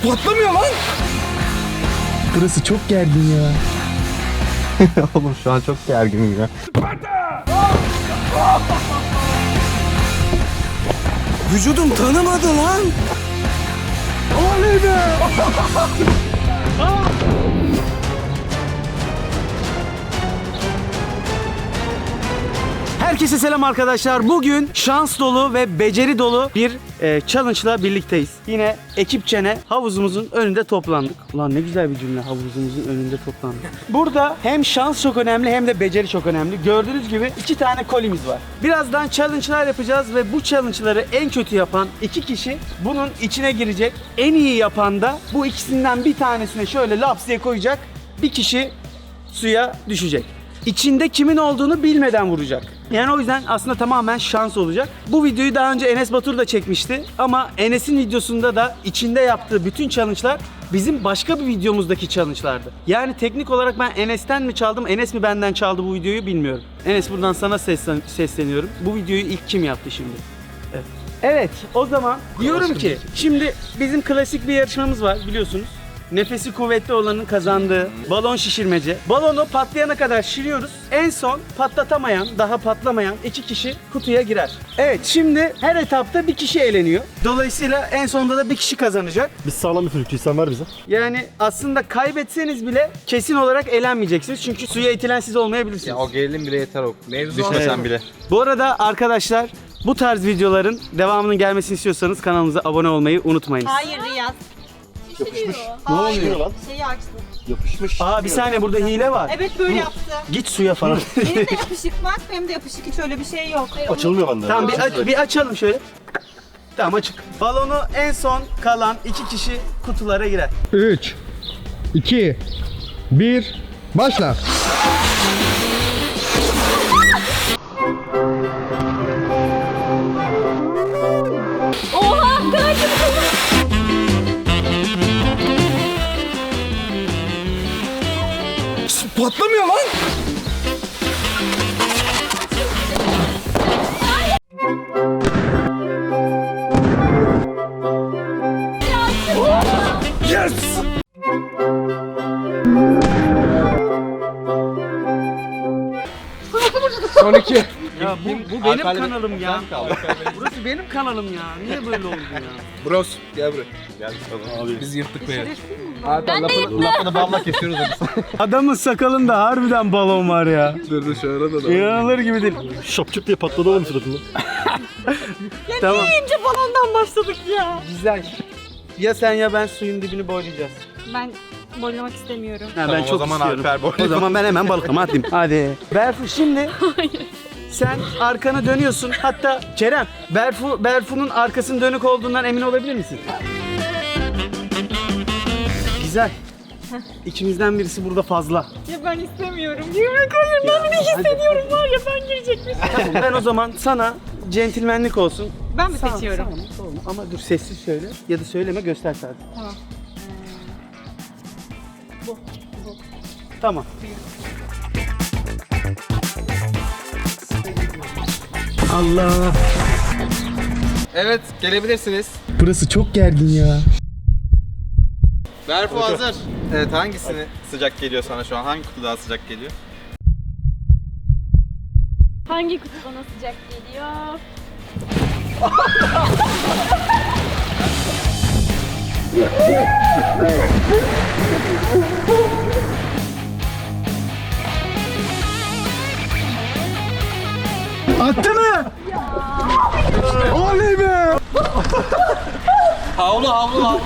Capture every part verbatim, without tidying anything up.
Patlamıyor lan. Burası çok gergin ya. Oğlum şu an çok gerginim ya. Vücudum tanımadı lan. Oley be. Herkese selam arkadaşlar. Bugün şans dolu ve beceri dolu bir e, challenge'la birlikteyiz. Yine ekipçene havuzumuzun önünde toplandık. Ulan ne güzel bir cümle, havuzumuzun önünde toplandık. Burada hem şans çok önemli hem de beceri çok önemli. Gördüğünüz gibi iki tane kolimiz var. Birazdan challenge'lar yapacağız ve bu challenge'ları en kötü yapan iki kişi bunun içine girecek. En iyi yapan da bu ikisinden bir tanesine şöyle laps diye koyacak. Bir kişi suya düşecek. İçinde kimin olduğunu bilmeden vuracak. Yani o yüzden aslında tamamen şans olacak. Bu videoyu daha önce Enes Batur da çekmişti. Ama Enes'in videosunda da içinde yaptığı bütün challenge'lar bizim başka bir videomuzdaki challenge'lardı. Yani teknik olarak ben Enes'ten mi çaldım, Enes mi benden çaldı bu videoyu bilmiyorum. Enes, buradan sana seslen sesleniyorum. Bu videoyu ilk kim yaptı şimdi? Evet. Evet, o zaman diyorum ki şimdi bizim klasik bir yarışmamız var biliyorsunuz. Nefesi kuvvetli olanın kazandığı balon şişirmece. Balonu patlayana kadar şişiriyoruz. En son patlatamayan, daha patlamayan iki kişi kutuya girer. Evet, şimdi her etapta bir kişi eğleniyor. Dolayısıyla en sonunda da bir kişi kazanacak. Biz sağlam bir çocukçuyuz, sen ver bize. Yani aslında kaybetseniz bile kesin olarak eğlenmeyeceksiniz. Çünkü suya itilen siz olmayabilirsiniz. Ya o gerilim bile yeter o. Mevzu Düşmesen evet. bile. Bu arada arkadaşlar, bu tarz videoların devamının gelmesini istiyorsanız kanalımıza abone olmayı unutmayınız. Hayır Riyaz. Yapışmış. Ne Hayır. oluyor lan? Şeyi açtım. Yapışmış. Aa, bir saniye, burada hile var. Evet böyle yaptı. Git suya falan. Benim de yapışık var, benim de yapışık. Hiç öyle bir şey yok. Açılmıyor bende. Tamam, bir, aç, bir açalım şöyle. Tamam, açık. Balonu en son kalan iki kişi kutulara girer. üç, iki, bir, başla. Oha! Gördüm. Patlamıyor lan. Yes! Son iki. Ya bu, bu benim kanalım ya. Burası benim kanalım ya. Niye böyle oldu ya? Bros gel buraya. Gel abi. Biz yırttık be. Ben de yırttım. Lafını balla kesiyoruz biz. Adamın sakalında harbiden balon var ya. Dur dur şu arada da. İnanılır gibi değil. Şapçık diye patladı oğlum suratında. Tamam. İnce balondan başladık ya. Güzel. Ya sen ya ben suyun dibini boylayacağız. Ben boylamak istemiyorum. Ha, ben Tamam, çok o zaman istiyorum. Alper boy. O zaman ben hemen balıklama atayım. Hadi. Berfu şimdi. Sen arkanı dönüyorsun. Hatta Kerem, Berfu Berfu'nun arkasının dönük olduğundan emin olabilir misin? Güzel. İkimizden birisi burada fazla. Ya ben istemiyorum. Girmek hayır. Ben de hissediyorum var ya ben girecekmişim. Tamam, ben o zaman sana centilmenlik olsun. Ben mi Sağ- seçiyorum? sağ ol, sağ ol. Ama dur, sessiz söyle ya da söyleme, göster sadece. Tamam. Tamam. Allah. Evet gelebilirsiniz. Burası çok gergin ya. Berfu hazır. Evet hangisini sıcak geliyor sana şu an? Hangi kutu daha sıcak geliyor? Hangi kutu bana sıcak geliyor? Attı mı? Oley be! Havlu havlu havlu.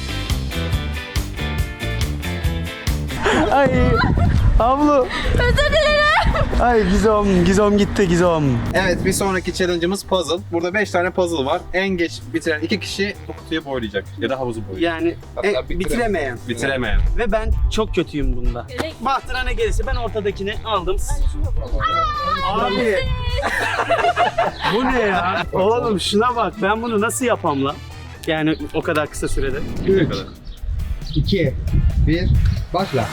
Ay. Ablu. Özür dilerim. Ay Gizom, Gizom gitti Gizom. Evet bir sonraki challenge'ımız puzzle. Burada beş tane puzzle var. En geç bitiren iki kişi bu kutuyu boylayacak. Ya da havuzu boyayacak. Yani Hatta e, bitire- bitiremeyen. Bitiremeyen. Ve ben çok kötüyüm bunda. Bahtına ne gelirse ben ortadakini aldım. Abi. Bu ne ya? Oğlum şuna bak, ben bunu nasıl yapam lan? Yani o kadar kısa sürede. üç, iki, bir, başla.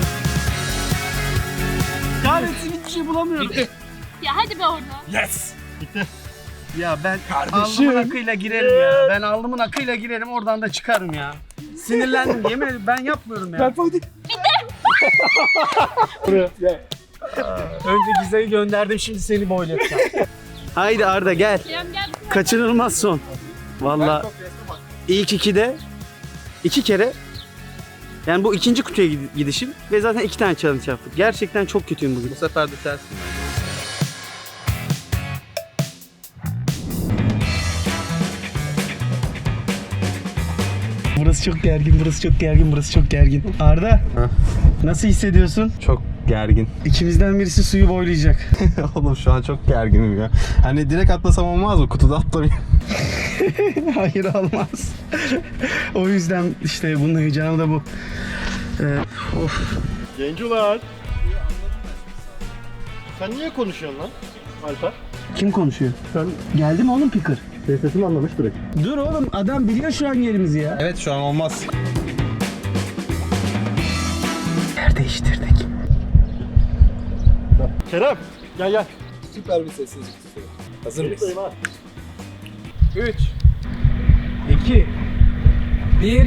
Kahretsin, hiçbir şey bulamıyorum. Ya hadi be oradan. Yes! Ya ben alnımın akıyla girerim ya. Ben alnımın akıyla girerim oradan da çıkarım ya. Sinirlendim yemin ederim ben yapmıyorum ya. Berfu hadi. Buraya gel. Önce Giza'yı gönderdim şimdi seni boylatacağım. Haydi Arda gel. Kerem gel. Kaçınılmaz son. Vallahi ilk ikide iki kere yani bu ikinci kutuya gid- gidişim ve zaten iki tane challenge yaptık. Gerçekten çok kötüyüm bugün. Bu sefer de tersin. Burası çok gergin, burası çok gergin, burası çok gergin. Arda, nasıl hissediyorsun? Çok gergin. İkimizden birisi suyu boylayacak. Oğlum şu an çok gerginim ya. Hani direkt atlasam olmaz mı? Kutuda atlamayayım. Hayır olmaz. O yüzden işte bunun heyecanı da bu. Ee, of. Gencular. Sen niye konuşuyorsun lan Alper? Kim konuşuyor? Sen Geldi mi oğlum Picker? sesimi anlamış direkt. Dur oğlum adam biliyor şu an yerimizi ya. Evet şu an olmaz. Yer değiştirdik. Kerem gel gel. Süper bir sessizlik tutuyor. Hazır mıyız? Buradayım ha. üç iki bir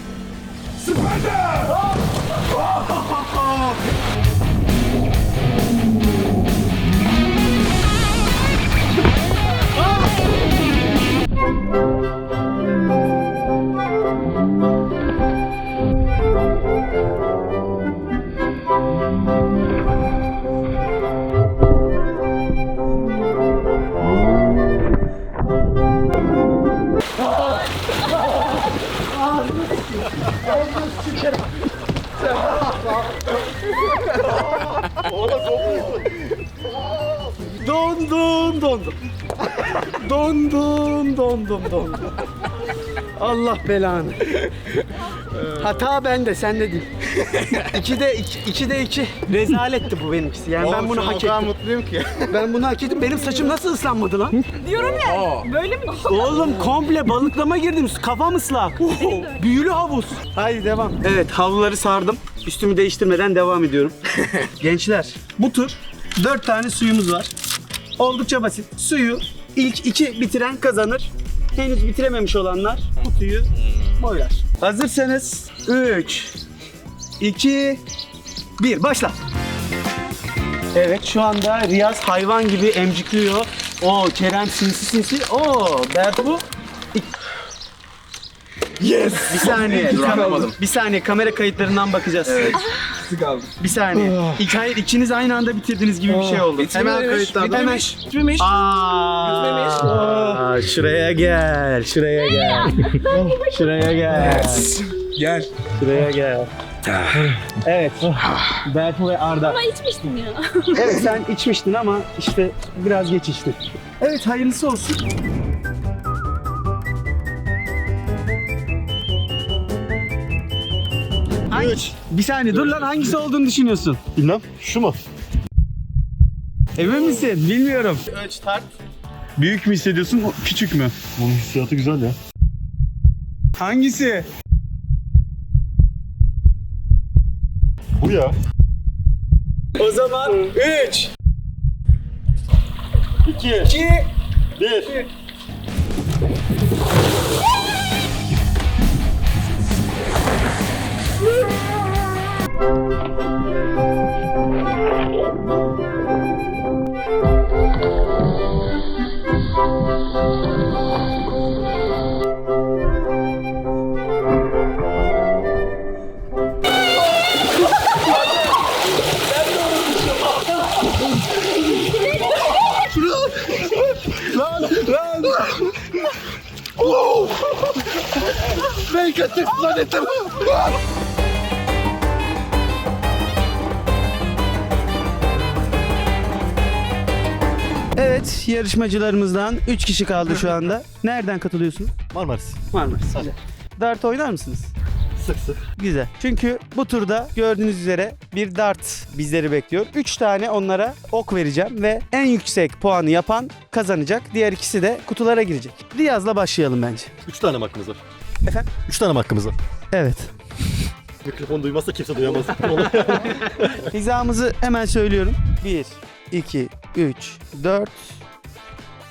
Dondum dondum. Dondum dondum dondum. Allah belanı. Hata bende, sende değil. İkide iki, ikide iki. Rezaletti bu benimkisi. Yani ben bunu hak O kadar ettim. mutluyum ki. Ben bunu hak ettim. Benim saçım nasıl ıslanmadı lan? Diyorum ya. Böyle mi? Oğlum komple balıklama girdim. Kafam ıslak. Büyülü havuz. Haydi devam. Evet havluları sardım. Üstümü değiştirmeden devam ediyorum. Gençler bu tur dört tane suyumuz var. Oldukça basit. Suyu ilk iki bitiren kazanır. Henüz bitirememiş olanlar kutuyu boylar. Hazırsanız üç, iki, bir başla. Evet şu anda Riyaz hayvan gibi emcikliyor. O Kerem sinsi sinsi. Oo Berfu. Yes. Bir saniye. Duramadım. Bir saniye kamera kayıtlarından bakacağız. Sık aldım. Bir saniye. İlk hayır ikiniz aynı anda bitirdiniz gibi bir şey oldu. Hemen kayıtlandı. Hemen. Bitmemiş. Aa, Aa, şuraya gel. Şuraya gel. Şuraya gel. Gel. Şuraya gel. Evet. Berfu ve Arda. Ama içmiştim ya. Evet sen içmiştin ama işte biraz geç içtin. Evet hayırlısı olsun. Hangi? Bir saniye dur lan hangisi olduğunu düşünüyorsun? Bilmem şu mu? Emin misin? Bilmiyorum. Ölç tart. Büyük mü hissediyorsun küçük mü? Bunun hissiyatı güzel ya. Hangisi? Bu ya. O zaman üç, İki. iki, Bir. ben kötü zannettim. Evet, yarışmacılarımızdan üç kişi kaldı şu anda. Nereden katılıyorsunuz? Marmaris. Marmaris. Güzel. Dart oynar mısınız? Sık sık. Güzel. Çünkü bu turda gördüğünüz üzere bir dart bizleri bekliyor. üç tane onlara ok vereceğim ve en yüksek puanı yapan kazanacak. Diğer ikisi de kutulara girecek. Riyaz'la başlayalım bence. Üç tane mi hakkımız var? Efendim? Üç tane mi hakkımız var? Evet. Mikrofon duymazsa kimse duyamaz. Hizamızı hemen söylüyorum. bir, iki, üç, dört,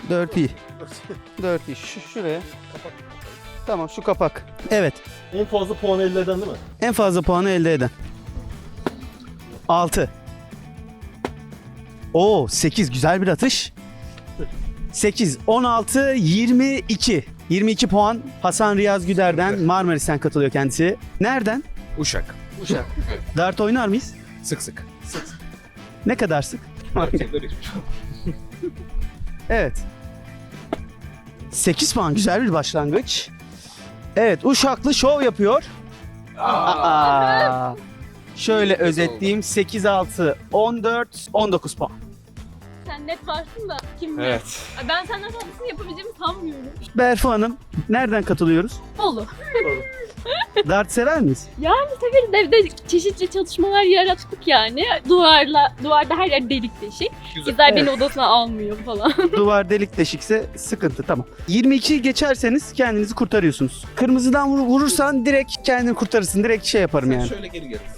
dört iyi. dört iyi. Şu, şuraya. Tamam şu kapak. Evet. En fazla puan elde eden değil mi? En fazla puanı elde eden. altı. Oo sekiz güzel bir atış. sekiz, on altı, yirmi iki. yirmi iki puan Hasan Riyaz Güder'den, Marmaris'ten katılıyor kendisi. Nereden? Uşak. Uşak. Dart oynar mıyız? Sık sık. Ne kadar sık? Evet. sekiz puan güzel bir başlangıç. Evet Uşaklı şov yapıyor. Aa. Şöyle özetleyeyim. sekiz, altı, on dört, on dokuz puan. Sen net varsın da kim bilir. Evet. Ay, Ben senden fazlasını yapabileceğimi sanmıyorum. Berfu Hanım nereden katılıyoruz? Bolu. Dart sever miyiz? Yani severiz, evde çeşitli çalışmalar yarattık yani. Duvarla, duvarda her yer delik deşik. Kızlar beni odasına almıyor falan. Duvar delik deşikse sıkıntı tamam. yirmi ikiyi geçerseniz kendinizi kurtarıyorsunuz. Kırmızıdan vur- vurursan direkt kendini kurtarırsın. Direkt şey yaparım yani. Şöyle geri gel.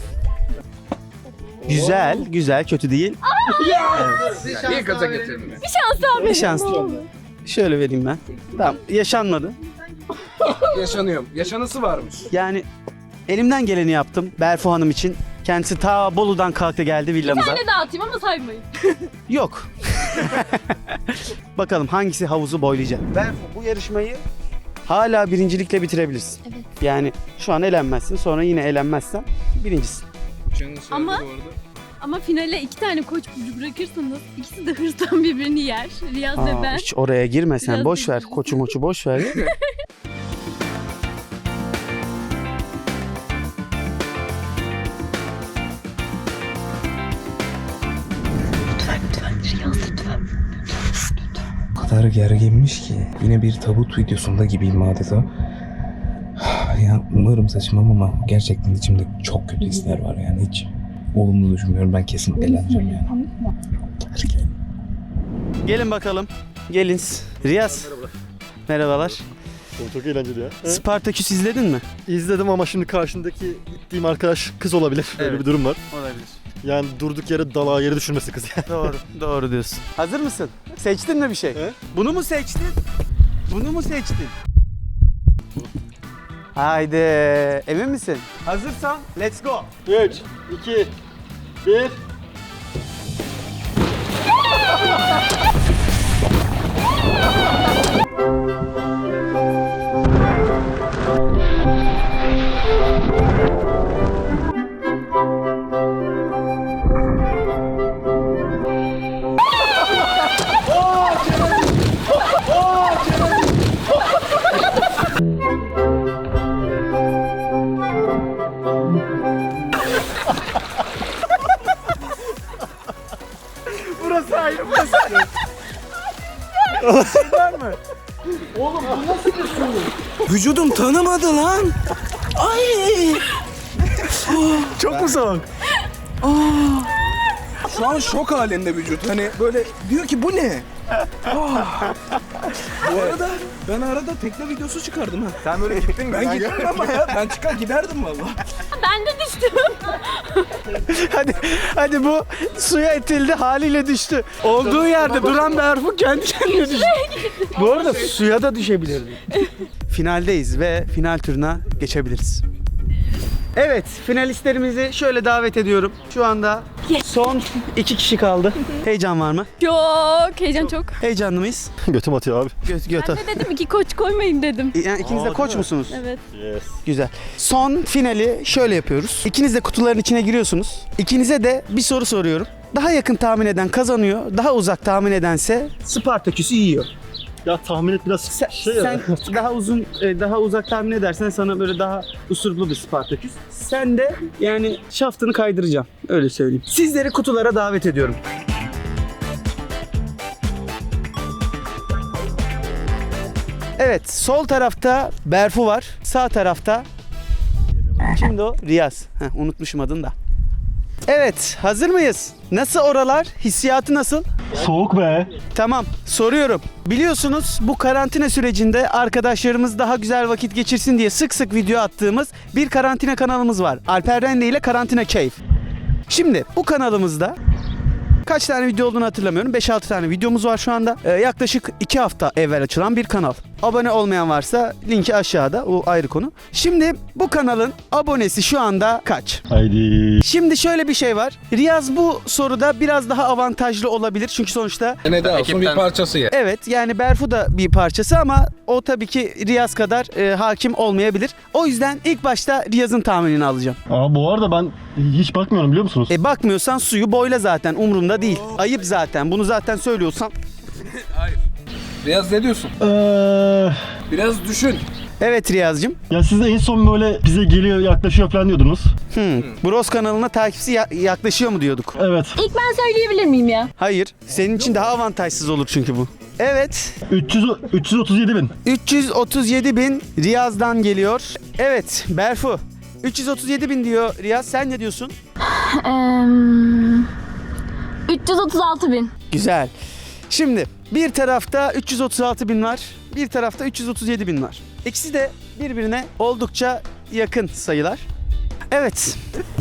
Güzel, güzel, kötü değil. İyi gaza getirdin. Bir şans daha Bir verin. şans. ne olur. Şöyle vereyim ben. Tamam, yaşanmadı. Yaşanıyor. Yaşanısı varmış. Yani elimden geleni yaptım Berfu Hanım için. Kendisi ta Bolu'dan kalktı geldi villamıza. Ne dağıtayım ama saymayın. Yok. Bakalım hangisi havuzu boylayacak. Berfu bu yarışmayı hala birincilikle bitirebilirsin. Evet. Yani şu an elenmezsin, sonra yine elenmezsen birincisin. Ama ama finale iki tane koç burcu bırakırsanız ikisi de hırstan birbirini yer. Riyaz ve Aa, ben. hiç oraya girme sen, Biraz boş ver. üzücü. Koçu moçu boş ver. O kadar gerginmiş ki yine bir tabut videosunda gibiyim adeta. Ya umarım saçmam ama gerçekten içimde çok kötü hisler var yani hiç olumlu düşünmüyorum, ben kesin eğleneceğim yani. Gergin. Gelin bakalım. Gelin. Riyaz. Merhabalar. Merhabalar. Oğlum çok eğlenceli ya. He? Spartaküs izledin mi? İzledim ama şimdi karşındaki gittiğim arkadaş kız olabilir. Böyle Evet. bir durum var. Olabilir. Yani durduk yere dalağa yere düşürmesi kız yani. Doğru. Doğru diyorsun. Hazır mısın? Seçtin mi bir şey? He? Bunu mu seçtin? Bunu mu seçtin? Haydi. Emin misin? Hazırsan let's go. üç, iki, bir. Burası ayrı, burası ayrı. Var mı? Oğlum bu nasıl bir su? Vücudum tanımadı lan. Ay. Çok mu soğuk? Şu an şok halinde vücut. Hani böyle diyor ki bu ne? Ah. Bu arada ben arada tekne videosu çıkardım ha. Sen böyle gittin ben gittim ama ya. Ben çıkar giderdim valla. Ben de düştüm. Hadi, hadi bu suya itildi haliyle düştü. Olduğu yerde duran Berfu kendi kendine düştü. Bu arada suya da düşebilirdi. Finaldeyiz ve final turuna geçebiliriz. Evet, finalistlerimizi şöyle davet ediyorum. Şu anda son iki kişi kaldı. Heyecan var mı? Çok heyecan çok. Heyecanlı mıyız? Götüm atıyor abi. Göt göt. Ben de dedim iki koç koymayın dedim. Yani ikiniz de Aa, koç değil mi? musunuz? Evet. Yes. Güzel. Son finali şöyle yapıyoruz. İkiniz de kutuların içine giriyorsunuz. İkinize de bir soru soruyorum. Daha yakın tahmin eden kazanıyor. Daha uzak tahmin edense Spartaküs'ü yiyor. Ya tahmin et biraz Sen, şey ya. sen daha uzun, e, daha uzak tahmin edersen sana böyle daha usurlu bir Spartaküs. Sen de yani şaftını kaydıracağım. Öyle söyleyeyim. Sizleri kutulara davet ediyorum. Evet, sol tarafta Berfu var. Sağ tarafta kimdi o? Riyaz. Heh, unutmuşum adını da. Evet, hazır mıyız? Nasıl oralar? Hissiyatı nasıl? Soğuk be. Tamam, soruyorum. Biliyorsunuz bu karantina sürecinde arkadaşlarımız daha güzel vakit geçirsin diye sık sık video attığımız bir karantina kanalımız var. Alper Rende ile Karantina Keyif. Şimdi bu kanalımızda Kaç tane video olduğunu hatırlamıyorum. beş altı tane videomuz var şu anda. Ee, yaklaşık iki hafta evvel açılan bir kanal. Abone olmayan varsa linki aşağıda. O ayrı konu. Şimdi bu kanalın abonesi şu anda kaç? Haydi. Şimdi şöyle bir şey var. Riyaz bu soruda biraz daha avantajlı olabilir. Çünkü sonuçta Ne de olsun bir parçası ya. evet yani Berfu da bir parçası ama o tabii ki Riyaz kadar e, hakim olmayabilir. O yüzden ilk başta Riyaz'ın tahminini alacağım. Aa bu arada ben hiç bakmıyorum biliyor musunuz? E bakmıyorsan suyu boyla zaten, umurumda değil. Ayıp zaten, bunu zaten söylüyorsam. Riyaz ne diyorsun? Eee... Biraz düşün. Evet Riyaz'cığım. Ya siz de en son böyle bize geliyor yaklaşıyor falan diyordunuz. Hmm. Bros kanalına takipçisi ya- yaklaşıyor mu diyorduk? Evet. İlk ben söyleyebilir miyim ya? Hayır. Senin için daha avantajsız olur çünkü bu. Evet. üç yüz, üç yüz otuz yedi bin. üç yüz otuz yedi bin Riyaz'dan geliyor. Evet Berfu. üç yüz otuz yedi bin diyor Riyaz. Sen ne diyorsun? üç yüz otuz altı bin. Güzel. Şimdi bir tarafta üç yüz otuz altı bin var. Bir tarafta üç yüz otuz yedi bin var. İkisi de birbirine oldukça yakın sayılar. Evet.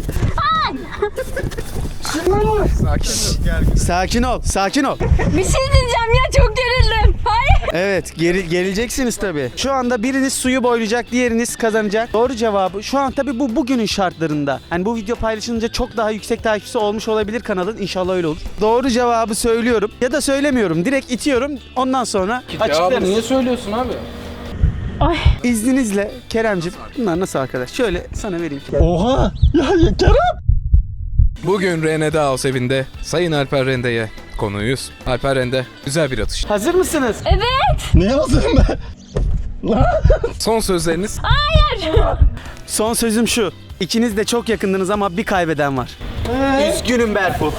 Sakin ol, sakin ol. Bir şey diyeceğim ya, çok gerildim. Hayır. Evet, geri, gerileceksiniz tabii. Şu anda biriniz suyu boylayacak, diğeriniz kazanacak. Doğru cevabı şu an tabii bu bugünün şartlarında. Hani bu video paylaşılınca çok daha yüksek takipçisi olmuş olabilir kanalın. İnşallah öyle olur. Doğru cevabı söylüyorum ya da söylemiyorum. Direkt itiyorum. Ondan sonra açıklarız. niye söylüyorsun abi? İzninizle Kerem'cim. Bunlar nasıl arkadaş? Şöyle sana vereyim. Oha! Ya, ya Kerem! Bugün Rene House evinde Sayın Alper Rende'ye konuğuyuz. Alper Rende güzel bir atış. Hazır mısınız? Ne hazırım ben? Son sözleriniz. Son sözüm şu. İkiniz de çok yakındınız ama bir kaybeden var. Üzgünüm Berfu.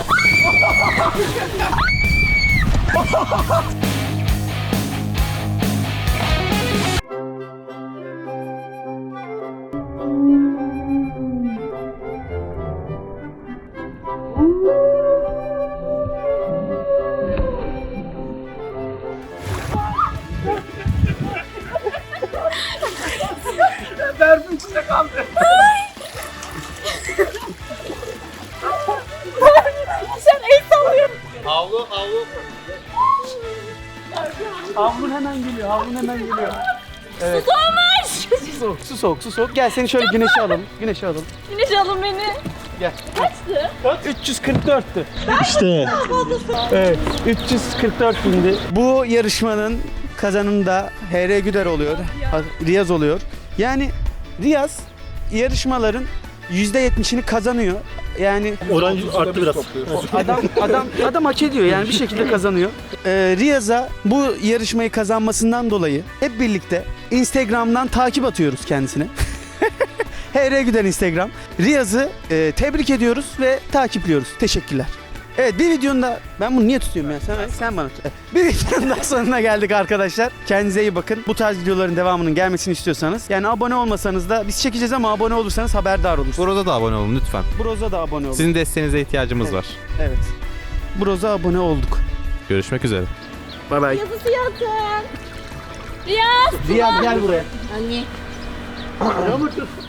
Havlun hemen geliyor, havlun hemen geliyor. Evet. Su soğumuş. Su soğuk, su soğuk, su soğuk. Gel seni şöyle güneşe alalım, güneşe alalım. Güneş alın beni. Gel. Kaçtı? üç yüz kırk dörttü. İşte. Evet, üç yüz kırk dört bindi. Bu yarışmanın kazanını da H R Güder oluyor, ha- Riyaz oluyor. Yani Riyaz yarışmaların yüzde yetmişini kazanıyor. Yani Oran arttı biraz. adam adam adam hak ediyor yani bir şekilde kazanıyor. Ee, Riyaz'a bu yarışmayı kazanmasından dolayı hep birlikte Instagram'dan takip atıyoruz kendisine. H R Güder Instagram. Riyaz'ı e, tebrik ediyoruz ve takipliyoruz. Teşekkürler. Evet bir videonun da ben bunu niye tutuyorum ya sen sen bana tut. Evet, bir videonun daha sonuna geldik arkadaşlar. Kendinize iyi bakın. Bu tarz videoların devamının gelmesini istiyorsanız yani abone olmasanız da biz çekeceğiz ama abone olursanız haberdar olursunuz. Burada da abone olun lütfen. Broz'a da abone olun. Sizin desteğinize ihtiyacımız var. Evet. Broz'a abone olduk. Görüşmek üzere. Bay bay. Yazısı yatın. Riyaz. Riyaz gel buraya. Anne.